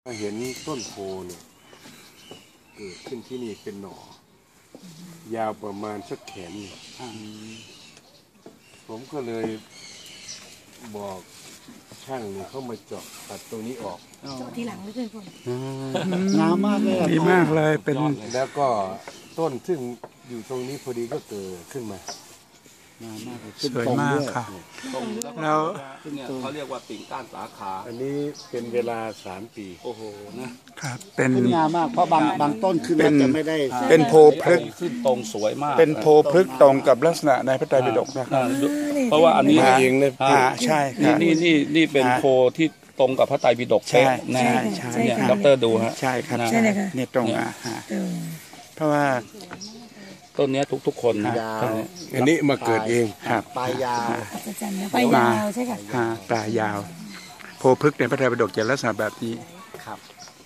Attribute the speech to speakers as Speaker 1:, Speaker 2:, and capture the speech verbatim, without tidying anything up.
Speaker 1: เห็นต้นโพเนี่ยเกิดขึ้นที่นี่เป็นหน่อ ยาวประมาณสักแขนหนึ่งผมก็เลยบอกช่างเนี่ยเขามาเจาะตัดตรงนี้ออก
Speaker 2: เจาะทีหลังไม่ใช่ผม
Speaker 3: งามมากเลย
Speaker 4: ดีมากเลยเป็น
Speaker 1: แล้วก็ต้นซึ่งอยู่ตรงนี้พอดีก็เกิดขึ้นมา
Speaker 3: งามมากเลย
Speaker 4: สวยมากค่ะ
Speaker 5: ตรง
Speaker 4: แล้ว
Speaker 5: เนี่ยเขาเรียกว่าปิ่งก้านสาขา
Speaker 1: อันนี้เป็นเวลาสามปี
Speaker 5: โอ้โหนะครับ
Speaker 4: เป็น
Speaker 3: ขึ้นงามมากเพราะบางบางต้นขึ้น
Speaker 4: เป็
Speaker 3: แล้ว
Speaker 4: น
Speaker 3: จะไม่ได้
Speaker 4: เป็นโพพฤกษ์
Speaker 5: ขึ้นตรงสวยมาก
Speaker 4: เป็นโพพฤกษ์ตรงกับลักษณะในพระไตรปิฎกนะครั
Speaker 5: อ่า
Speaker 4: บ
Speaker 5: ดูเพราะว่าอันนี้
Speaker 1: มาเองนะ
Speaker 5: อ่า
Speaker 4: อ่าใช่ค
Speaker 5: นี่
Speaker 4: รับ
Speaker 5: นี่นี่นี่เป็น
Speaker 4: อ่า
Speaker 5: โพที่ตรงกับพระไตรปิฎก
Speaker 4: ใช่
Speaker 5: เป๊ะนะ
Speaker 4: ใช่ใช่
Speaker 5: เนี่ยด็อกเตอร์ดูฮะ
Speaker 4: ใช่ครับ
Speaker 5: นะ
Speaker 2: ใช่เลยค่ะ
Speaker 4: เนี่ยตรงอ่ะฮะเพราะว่า
Speaker 5: ต้นเนี้ยทุกทุกๆคนนะ
Speaker 3: ยาว
Speaker 5: ต้นเนี้ย
Speaker 1: อันนี้มาเกิดเอง
Speaker 4: ครับ
Speaker 3: ปลายยาว
Speaker 2: อัศจรรย์นะไปยาวใช่ค่ะ
Speaker 4: ฮะปลายาว โพพฤกษ์ในพระไตรปิฎกจะลักษณะแบบนี้
Speaker 3: ครับ